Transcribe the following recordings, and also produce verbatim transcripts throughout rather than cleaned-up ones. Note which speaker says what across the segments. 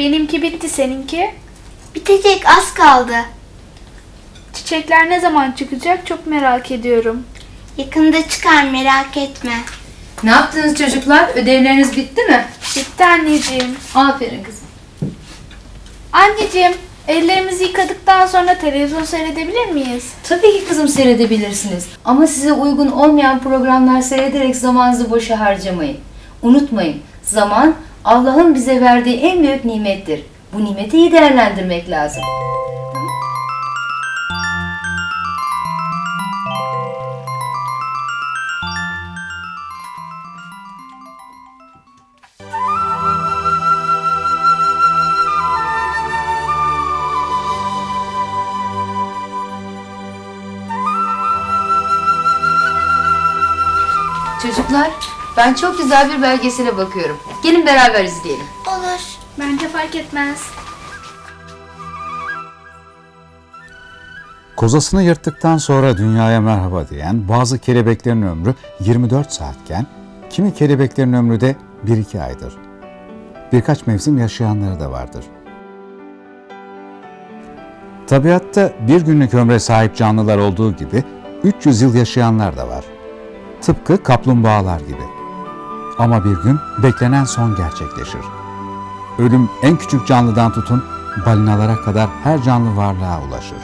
Speaker 1: Benimki bitti, seninki?
Speaker 2: Bitecek, az kaldı.
Speaker 1: Çiçekler ne zaman çıkacak çok merak ediyorum.
Speaker 2: Yakında çıkar, merak etme.
Speaker 3: Ne yaptınız çocuklar? Ödevleriniz bitti mi?
Speaker 1: Bitti anneciğim.
Speaker 3: Aferin kızım.
Speaker 1: Anneciğim, ellerimizi yıkadıktan sonra televizyon seyredebilir miyiz?
Speaker 3: Tabii ki kızım, seyredebilirsiniz. Ama size uygun olmayan programlar seyrederek zamanınızı boşa harcamayın. Unutmayın, zaman Allah'ın bize verdiği en büyük nimettir. Bu nimeti iyi değerlendirmek lazım. Çocuklar, ben çok güzel bir belgesele bakıyorum. Gelin beraber izleyelim.
Speaker 2: Olur.
Speaker 1: Bence fark etmez.
Speaker 4: Kozasını yırttıktan sonra dünyaya merhaba diyen bazı kelebeklerin ömrü yirmi dört saatken, kimi kelebeklerin ömrü de bir iki aydır. Birkaç mevsim yaşayanları da vardır. Tabiatta bir günlük ömre sahip canlılar olduğu gibi üç yüz yıl yaşayanlar da var. Tıpkı kaplumbağalar gibi. Ama bir gün beklenen son gerçekleşir. Ölüm en küçük canlıdan tutun balinalara kadar her canlı varlığa ulaşır.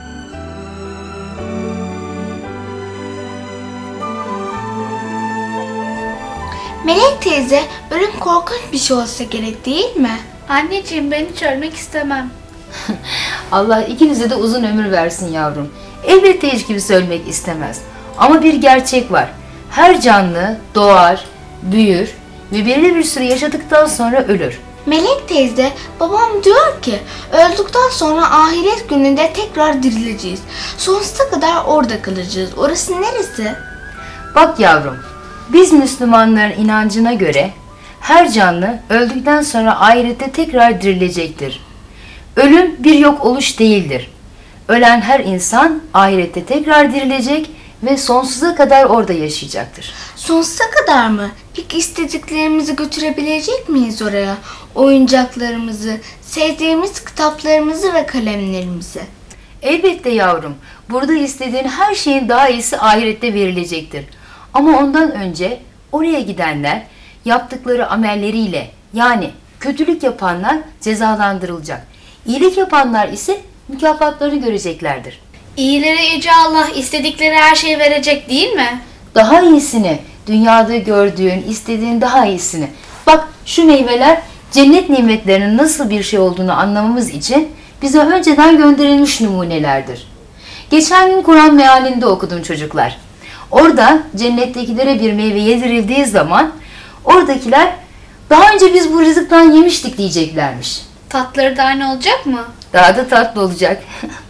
Speaker 2: Melek teyze, ölüm korkunç bir şey olsa gerek değil mi?
Speaker 1: Anneciğim, ben hiç ölmek istemem.
Speaker 3: Allah ikinize de uzun ömür versin yavrum. Elbette hiç kimse ölmek istemez. Ama bir gerçek var. Her canlı doğar, büyür ve belirli bir süre yaşadıktan sonra ölür.
Speaker 2: Melek teyze, babam diyor ki öldükten sonra ahiret gününde tekrar dirileceğiz. Sonsuza kadar orada kalacağız. Orası neresi?
Speaker 3: Bak yavrum, biz Müslümanların inancına göre her canlı öldükten sonra ahirette tekrar dirilecektir. Ölüm bir yok oluş değildir. Ölen her insan ahirette tekrar dirilecek ve sonsuza kadar orada yaşayacaktır.
Speaker 2: Sonsuza kadar mı? Peki istediklerimizi götürebilecek miyiz oraya? Oyuncaklarımızı, sevdiğimiz kitaplarımızı ve kalemlerimizi.
Speaker 3: Elbette yavrum, burada istediğin her şeyin daha iyisi ahirette verilecektir. Ama ondan önce oraya gidenler yaptıkları amelleriyle, yani kötülük yapanlar cezalandırılacak. İyilik yapanlar ise mükafatlarını göreceklerdir.
Speaker 1: İyilere Yüce Allah istedikleri her şeyi verecek değil mi?
Speaker 3: Daha iyisini, dünyada gördüğün, istediğin daha iyisini. Bak, şu meyveler cennet nimetlerinin nasıl bir şey olduğunu anlamamız için bize önceden gönderilmiş numunelerdir. Geçen gün Kur'an mealinde okudum çocuklar. Orada cennettekilere bir meyve yedirildiği zaman oradakiler daha önce biz bu rızıktan yemiştik diyeceklermiş.
Speaker 1: Tatları da aynı olacak mı?
Speaker 3: Daha da tatlı olacak.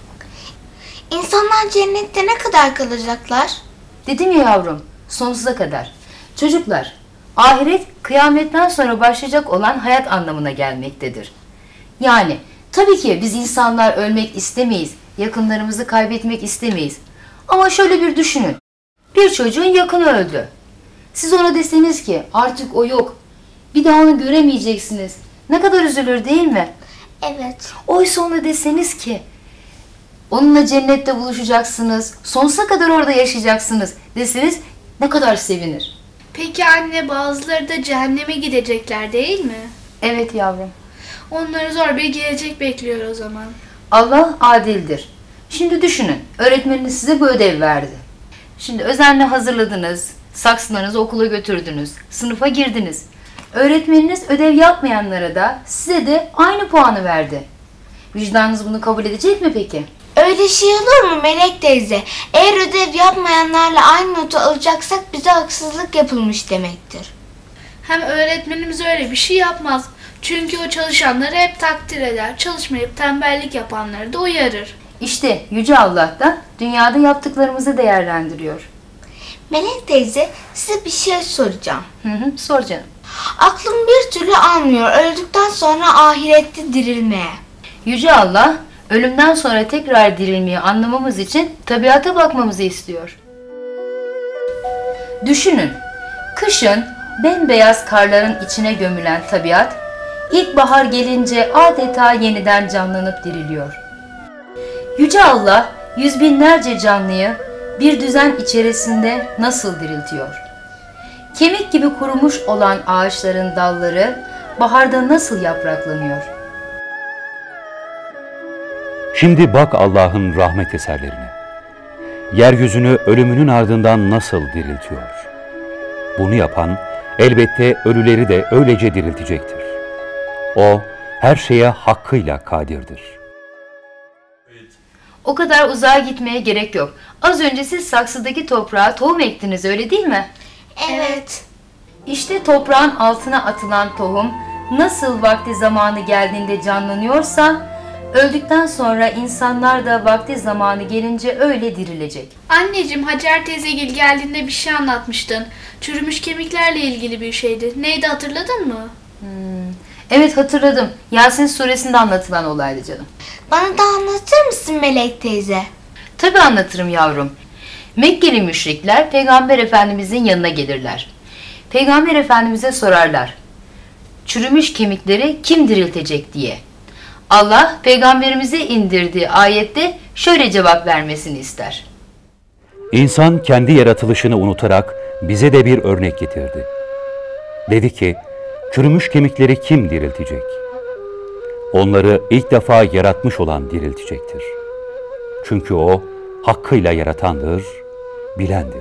Speaker 2: İnsanlar cennette ne kadar kalacaklar?
Speaker 3: Dedim ya yavrum, sonsuza kadar. Çocuklar, ahiret kıyametten sonra başlayacak olan hayat anlamına gelmektedir. Yani tabii ki biz insanlar ölmek istemeyiz, yakınlarımızı kaybetmek istemeyiz. Ama şöyle bir düşünün. Bir çocuğun yakını öldü. Siz ona deseniz ki artık o yok, bir daha onu göremeyeceksiniz. Ne kadar üzülür değil mi?
Speaker 2: Evet.
Speaker 3: Oysa ona deseniz ki onunla cennette buluşacaksınız, sonsuza kadar orada yaşayacaksınız deseniz ne kadar sevinir.
Speaker 1: Peki anne, bazıları da cehenneme gidecekler değil mi?
Speaker 3: Evet yavrum.
Speaker 1: Onları zor bir gelecek bekliyor o zaman.
Speaker 3: Allah adildir. Şimdi düşünün, öğretmeniniz size bu ödev verdi. Şimdi özenle hazırladınız, saksılarınızı okula götürdünüz, sınıfa girdiniz. Öğretmeniniz ödev yapmayanlara da size de aynı puanı verdi. Vicdanınız bunu kabul edecek mi peki?
Speaker 2: Öyle şey olur mu Melek teyze? Eğer ödev yapmayanlarla aynı notu alacaksak bize haksızlık yapılmış demektir.
Speaker 1: Hem öğretmenimiz öyle bir şey yapmaz. Çünkü o çalışanları hep takdir eder. Çalışmayıp tembellik yapanları da uyarır.
Speaker 3: İşte Yüce Allah da dünyada yaptıklarımızı değerlendiriyor.
Speaker 2: Melek teyze, size bir şey soracağım.
Speaker 3: Hı hı, sor canım.
Speaker 2: Aklım bir türlü almıyor öldükten sonra ahirette dirilmeye.
Speaker 3: Yüce Allah ölümden sonra tekrar dirilmeyi anlamamız için tabiata bakmamızı istiyor. Düşünün, kışın bembeyaz karların içine gömülen tabiat, İlkbahar gelince adeta yeniden canlanıp diriliyor. Yüce Allah yüz binlerce canlıyı bir düzen içerisinde nasıl diriltiyor? Kemik gibi kurumuş olan ağaçların dalları baharda nasıl yapraklanıyor?
Speaker 5: Şimdi bak Allah'ın rahmet eserlerine. Yeryüzünü ölümünün ardından nasıl diriltiyor? Bunu yapan elbette ölüleri de öylece diriltecektir. O her şeye hakkıyla kadirdir.
Speaker 3: O kadar uzağa gitmeye gerek yok. Az önce siz saksıdaki toprağa tohum ektiniz, öyle değil mi?
Speaker 2: Evet.
Speaker 3: İşte toprağın altına atılan tohum nasıl vakti zamanı geldiğinde canlanıyorsa, öldükten sonra insanlar da vakti zamanı gelince öyle dirilecek.
Speaker 1: Anneciğim, Hacer teyzegil geldiğinde bir şey anlatmıştın. Çürümüş kemiklerle ilgili bir şeydi. Neydi, hatırladın mı?
Speaker 3: Hmm. Evet, hatırladım. Yasin suresinde anlatılan olaydı canım.
Speaker 2: Bana da anlatır mısın Melek teyze?
Speaker 3: Tabii anlatırım yavrum. Mekkeli müşrikler Peygamber Efendimizin yanına gelirler. Peygamber Efendimiz'e sorarlar: çürümüş kemikleri kim diriltecek diye. Allah Peygamberimize indirdiği ayette şöyle cevap vermesini ister:
Speaker 5: İnsan kendi yaratılışını unutarak bize de bir örnek getirdi. Dedi ki, çürümüş kemikleri kim diriltecek? Onları ilk defa yaratmış olan diriltecektir. Çünkü o hakkıyla yaratandır, bilendir.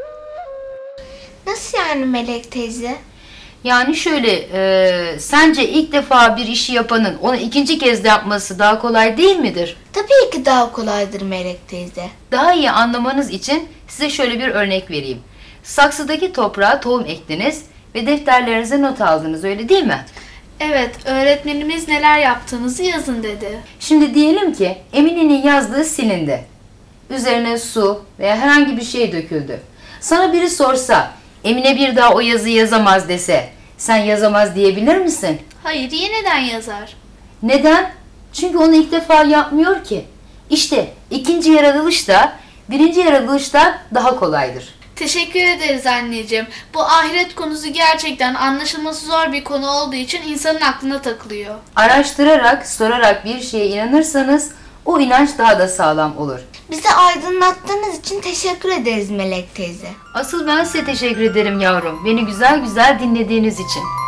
Speaker 2: Nasıl yani Melek teyze?
Speaker 3: Yani şöyle, e, sence ilk defa bir işi yapanın onu ikinci kez de yapması daha kolay değil midir?
Speaker 2: Tabii ki daha kolaydır Melek teyze.
Speaker 3: Daha iyi anlamanız için size şöyle bir örnek vereyim. Saksıdaki toprağa tohum ektiniz ve defterlerinize not aldınız, öyle değil mi?
Speaker 1: Evet, öğretmenimiz neler yaptığınızı yazın dedi.
Speaker 3: Şimdi diyelim ki Emine'nin yazdığı silindi. Üzerine su veya herhangi bir şey döküldü. Sana biri sorsa, Emine bir daha o yazıyı yazamaz dese, sen yazamaz diyebilir misin?
Speaker 1: Hayır, yeniden yazar.
Speaker 3: Neden? Çünkü onu ilk defa yapmıyor ki. İşte ikinci yaratılış da birinci yaratılışta daha kolaydır.
Speaker 1: Teşekkür ederiz anneciğim. Bu ahiret konusu gerçekten anlaşılması zor bir konu olduğu için insanın aklına takılıyor.
Speaker 3: Araştırarak, sorarak bir şeye inanırsanız o inanç daha da sağlam olur.
Speaker 2: Bizi aydınlattığınız için teşekkür ederiz Melek teyze.
Speaker 3: Asıl ben size teşekkür ederim yavrum, beni güzel güzel dinlediğiniz için.